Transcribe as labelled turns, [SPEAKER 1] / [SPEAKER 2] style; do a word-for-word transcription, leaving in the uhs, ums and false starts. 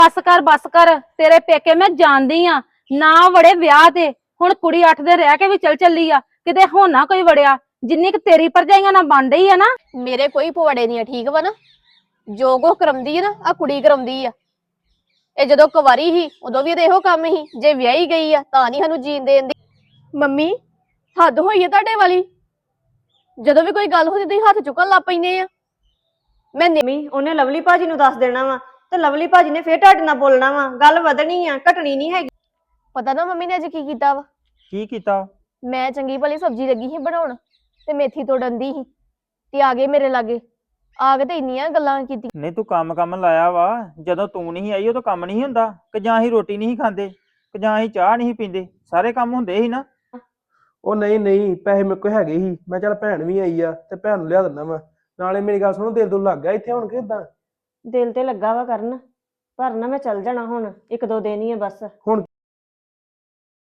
[SPEAKER 1] बस कर बस कर, तेरे पेके मैं जानदी आ ना वड़े विआह ते। हुण कुड़ी अठ दिन रह के भी चल चली आ, किते होना कोई वड़िया जिन्नी क तेरी भरजाइयां ना बन रही है ना।
[SPEAKER 2] मेरे कोई पवाड़े नहीं है, ठीक वा ना। जो कुछ करमदी है ना आ कुड़ी करमदी आ। ਇਹ ਜਦੋਂ ਕੁਵਾਰੀ ਸੀ ਉਦੋਂ ਵੀ ਇਹੋ ਕੰਮ ਸੀ, ਜੇ ਵਿਆਹੀ ਗਈ ਆ ਤਾਂ ਨਹੀਂ ਸਾਨੂੰ ਜੀਣ ਦੇਣ ਦੀ। ਮੰਮੀ ਹੱਦ ਹੋਈ ਹੈ ਤੁਹਾਡੇ ਵਾਲੀ, ਜਦੋਂ ਵੀ ਕੋਈ ਗੱਲ ਹੋ ਜਾਂਦੀ ਹੱਥ ਚੁੱਕਣ ਲੱਗ ਪੈਂਦੇ ਆ। ਮੈਂ
[SPEAKER 3] ਮੰਮੀ ਉਹਨੇ ਲਵਲੀ ਭਾਜੀ ਨੂੰ ਦੱਸ ਦੇਣਾ ਵਾ ਤੇ ਲਵਲੀ ਭਾਜੀ ਨੇ ਫੇਰ ਤੁਹਾਡੇ ਨਾਲ ਬੋਲਣਾ ਵਾ, ਗੱਲ ਵਧਣੀ ਆ ਘਟਣੀ ਨਹੀਂ ਹੈਗੀ।
[SPEAKER 2] ਪਤਾ ਨਾ ਮੰਮੀ ਨੇ ਅੱਜ ਕੀ ਕੀਤਾ ਵਾ?
[SPEAKER 4] ਕੀ ਕੀਤਾ?
[SPEAKER 2] ਮੈਂ ਚੰਗੀ ਭਲੀ ਸਬਜ਼ੀ ਲੱਗੀ ਸੀ ਬਣਾਉਣ ਤੇ ਮੇਥੀ ਤੋੜਨ ਦੀ ਸੀ ਤੇ ਆ ਗਏ ਮੇਰੇ ਲਾਗੇ, ਆ ਕੇ ਤੇ ਇੰਨੀਆਂ ਗੱਲਾਂ ਕੀਤੀ।
[SPEAKER 4] ਨਹੀਂ ਤੂੰ ਕੰਮ ਕੰਮ ਲਾਇਆ ਵਾ, ਜਦੋਂ ਤੂੰ ਨਹੀਂ ਆਈ ਉਦੋਂ ਕੰਮ ਨਹੀਂ ਹੁੰਦਾ ਕਿ ਜਾਂ ਅਸੀਂ ਰੋਟੀ ਨਹੀਂ ਖਾਂਦੇ ਕਿ ਜਾਂ ਅਸੀਂ ਚਾਹ ਨਹੀਂ ਪੀਂਦੇ, ਸਾਰੇ ਕੰਮ ਹੁੰਦੇ ਸੀ ਨਾ।
[SPEAKER 5] ਉਹ ਨਹੀਂ ਨਹੀਂ ਪੈਸੇ ਮੇਰੇ ਕੋਲ ਹੈਗੇ ਸੀ, ਮੈਂ ਚੱਲ ਭੈਣ ਵੀ ਆਈ ਆ ਤੇ ਭੈਣ ਨੂੰ ਲਿਆ ਦਿੰਦਾ ਮੈਂ। ਨਾਲੇ ਮੇਰੀ ਗੱਲ ਸੁਣੋ, ਦਿਲ ਦੁਲ ਲੱਗ ਗਿਆ ਇੱਥੇ ਹੁਣ ਕਿ ਏਦਾਂ?
[SPEAKER 3] ਦਿਲ ਤੇ ਲੱਗਾ ਵਾ ਕਰਨ, ਪਰ ਨਾ ਮੈਂ ਚੱਲ ਜਾਣਾ ਹੁਣ, ਇੱਕ ਦੋ ਦਿਨ ਹੀ ਆ ਬਸ।
[SPEAKER 5] ਹੁਣ